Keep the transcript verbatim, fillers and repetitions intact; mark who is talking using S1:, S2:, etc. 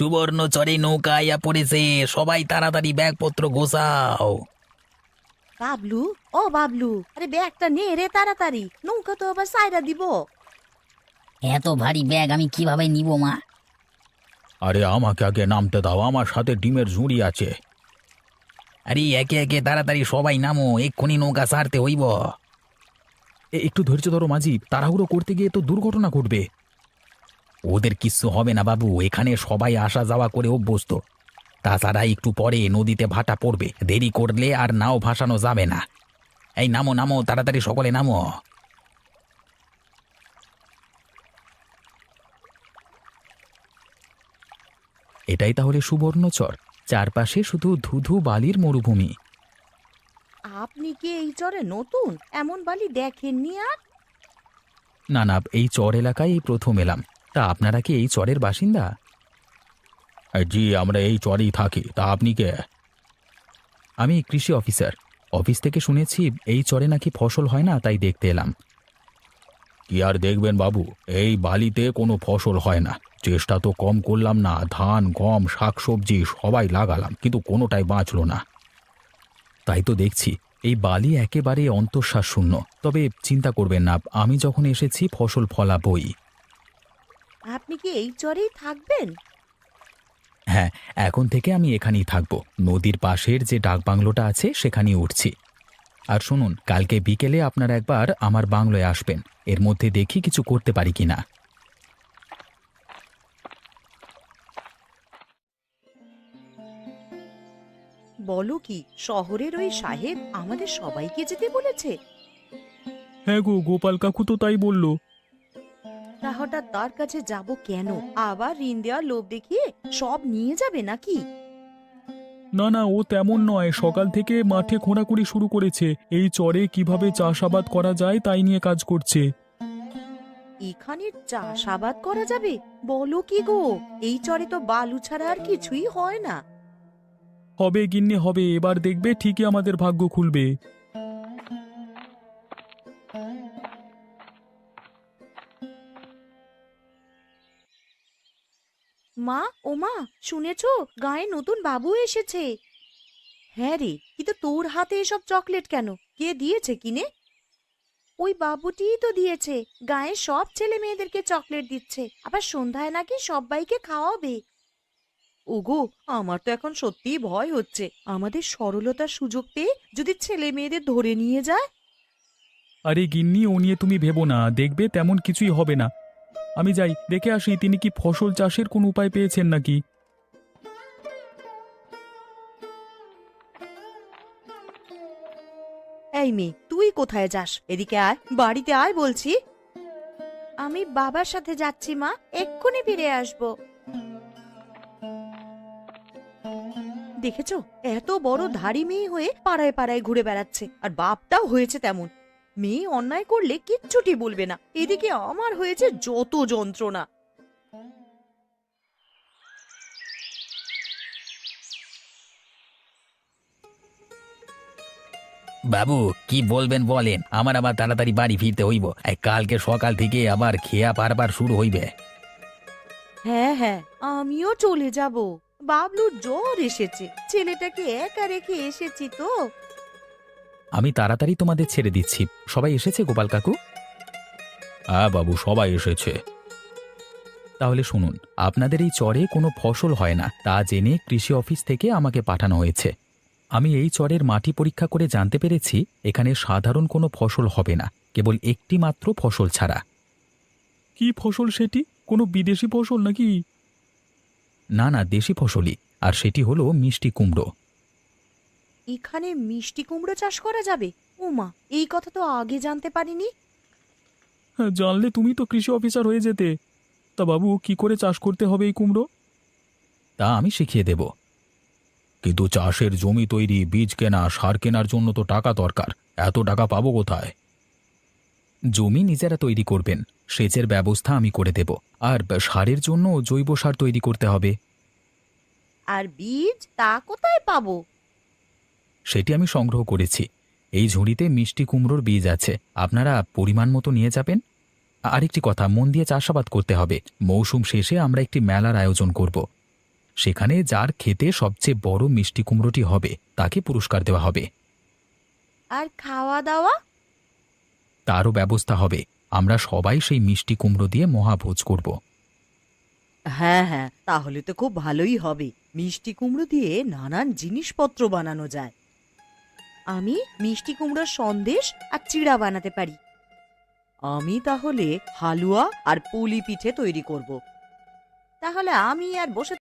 S1: সুবর্ণচরে নৌকা আইয়া পড়েছে, সবাই তাড়াতাড়ি ব্যাগপত্র গোছাও।
S2: বাবলু, ও বাবলু, আরে ব্যাগটা নে রে তাড়াতাড়ি, নৌকা তো আবার সাইরা দিব।
S3: এত ভারী ব্যাগ আমি কিভাবে নিব মা?
S4: আরে আমাকে আগে নামতে দাও, আমার সাথে ডিমের ঝুড়ি আছে।
S1: আরে একে একে তাড়াতাড়ি সবাই নামো, এক্ষুনি নৌকা ছাড়তে হইব।
S4: এ, একটু ধৈর্য ধরো মাঝি, তাড়াহুড়ো করতে গিয়ে তো দুর্ঘটনা ঘটবে।
S1: ওদের কিচ্ছু হবে না বাবু, এখানে সবাই আসা যাওয়া করে অভ্যস্ত। তাছাড়া একটু পরে নদীতে ভাটা পড়বে, দেরি করলে আর নাও ভাসানো যাবে না। এই নামো নামো, তাড়াতাড়ি সকলে নামো।
S4: এটাই তাহলে সুবর্ণচর, চারপাশে শুধু ধুধু বালির মরুভূমি।
S2: আপনি কি এই চরে নতুন? এমন বালি দেখেননি আর?
S4: না না, এই চর এলাকায় এই প্রথম এলাম। তা আপনারা কি এই চরের বাসিন্দা? জি, আমরা এই চরেই থাকি। তা আপনি কে? আমি কৃষি অফিসার। অফিস থেকে শুনেছি এই চরে নাকি ফসল হয় না, তাই দেখতে এলাম। কি আর দেখবেন বাবু, এই বালিতে কোনো ফসল হয় না। চেষ্টা তো কম করলাম না, ধান গম শাকসবজি সবাই লাগালাম, কিন্তু কোনোটাই বাঁচল না। তাই তো দেখছি এই বালি একেবারে অন্তঃশ্বাস শূন্য। তবে চিন্তা করবেন না, আমি যখন এসেছি ফসল ফলাবই।
S2: আপনি কি এই চরেই থাকবেন?
S4: হ্যাঁ, এখন থেকে আমি এখানেই থাকবো। নদীর পাশের যে ডাকবাংলোটা আছে সেখানেই উঠছি। আর শুনুন, কালকে বিকেলে আপনারা একবার আমার বাংলোয় আসবেন, এর মধ্যে দেখি কিছু করতে পারি কিনা।
S2: বলো কি, শহরের ওই সাহেব আমাদের সবাইকে যেতে বলেছে?
S4: হ্যাঁ গো, গোপাল কাকু তো তাই বলল।
S2: তা হঠাৎ তার কাছে যাব কেন? আবার ঋণ দেওয়ার লোভ দেখিয়ে সব নিয়ে যাবে নাকি?
S4: না না, ও তেমন নয়। সকাল থেকে মাঠে খোঁড়াখুঁড়ি শুরু করেছে, এই চরে কিভাবে চাষাবাদ করা যায় তাই নিয়ে কাজ করছে।
S2: এখানে চাষাবাদ করা যাবে? বলো কি গো, এই চরে তো বালু ছাড়া আর কিছুই হয় না।
S4: হবে গিন্নি হবে, এবার দেখবে ঠিকই আমাদের ভাগ্য খুলবে।
S2: মা, ও মা, শুনেছো গায়ে নতুন বাবু এসেছে? হ্যাঁ রে, কিন্তু তোর হাতে এসব চকলেট কেন? কে দিয়েছে কিনে? ওই বাবুটিই তো দিয়েছে। গায়ে সব ছেলে মেয়েদেরকে চকলেট দিচ্ছে, আবার সন্ধ্যায় নাকি সবাইকে খাওয়াবে। ওগো, আমার তো এখন সত্যিই ভয় হচ্ছে, আমাদের সরলতার সুযোগ পেয়ে যদি ছেলে মেয়েদের ধরে নিয়ে যায়।
S4: আরে গিন্নি, ও নিয়ে তুমি ভেবো না, দেখবে তেমন কিছুই হবে না। আমি যাই দেখে আসি তিনি কি ফসল চাষের কোন উপায় পেয়েছেন নাকি।
S2: এই মেয়ে, তুই কোথায় যাস? এদিকে আয়, বাড়িতে আয় বলছি। আমি বাবার সাথে যাচ্ছি মা, এক্ষুনি ফিরে আসবো। দেখেছো, এত বড় ধাড়ি মেয়ে হয়ে পাড়ায় পাড়ায় ঘুরে বেড়াচ্ছে, আর বাপটাও হয়েছে তেমন। মেয়ে অন্যায় করলে কিচ্ছুটি বলবে না, এদিকে আমার হয়েছে যত যন্ত্রণা।
S1: বাবু কি বলবেন বলেন, আমার আবার তাড়াতাড়ি বাড়ি ফিরতে হইব। এই কালকে সকাল থেকে আবার খেয়া পারবার শুরু হইবে।
S2: হ্যাঁ হ্যাঁ, আমিও চলে যাব। বাবলুর জ্বর এসেছে, ছেলেটাকে একা রেখে এসেছি তো।
S4: আমি তাড়াতাড়ি তোমাদের ছেড়ে দিচ্ছি। সবাই এসেছে গোপাল কাকু? হ্যাঁ বাবু, সবাই এসেছে। তাহলে শুনুন, আপনাদের এই চরে কোনো ফসল হয় না তা জেনে কৃষি অফিস থেকে আমাকে পাঠানো হয়েছে। আমি এই চরের মাটি পরীক্ষা করে জানতে পেরেছি এখানে সাধারণ কোনো ফসল হবে না, কেবল একটি মাত্র ফসল ছাড়া। কি ফসল সেটি? কোনো বিদেশি ফসল নাকি? না না, দেশি ফসলই, আর সেটি হলো মিষ্টি কুমড়ো।
S2: এখানে মিষ্টি কুমড়ো চাষ করা যাবে? ওমা, এই কথা তো আগে জানতে পারিনি।
S4: হ্যাঁ, জানলে তুমি তো কৃষি অফিসার হয়ে যেতে। তা বাবু, কি করে চাষ করতে হবে এই কুমড়ো? তা আমি শিখিয়ে দেব। কিন্তু চাষের জমি তৈরি, বীজ কেনা, সার কেনার জন্য তো টাকা দরকার। এত টাকা পাবো কোথায়? জমি নিজেরা তৈরি করবেন, সেচের ব্যবস্থা আমি করে দেব। আর সারের জন্য জৈব সার তৈরি করতে হবে।
S2: আর বীজ তা কোথায় পাবো?
S4: সেটি আমি সংগ্রহ করেছি। এই ঝুড়িতে মিষ্টি কুমড়োর বীজ আছে, আপনারা পরিমাণ মতো নিয়ে যাবেন। আরেকটি কথা, মন দিয়ে চাষাবাদ করতে হবে। মৌসুম শেষে আমরা একটি মেলার আয়োজন করব। সেখানে যার খেতে সবচেয়ে বড় মিষ্টি কুমড়োটি হবে তাকে পুরস্কার দেওয়া হবে।
S2: আর খাওয়া দাওয়া?
S4: তারও ব্যবস্থা হবে। আমরা সবাই সেই মিষ্টি কুমড়ো দিয়ে মহাভোজ করব।
S2: হ্যাঁ হ্যাঁ, তাহলে তো খুব ভালোই হবে। মিষ্টি কুমড়ো দিয়ে নানান জিনিসপত্র বানানো যায়। আমি মিষ্টি কুমড়োর সন্দেশ আর চিড়া বানাতে পারি। আমি তাহলে হালুয়া আর পুলি পিঠে তৈরি করব। তাহলে আমি আর বসে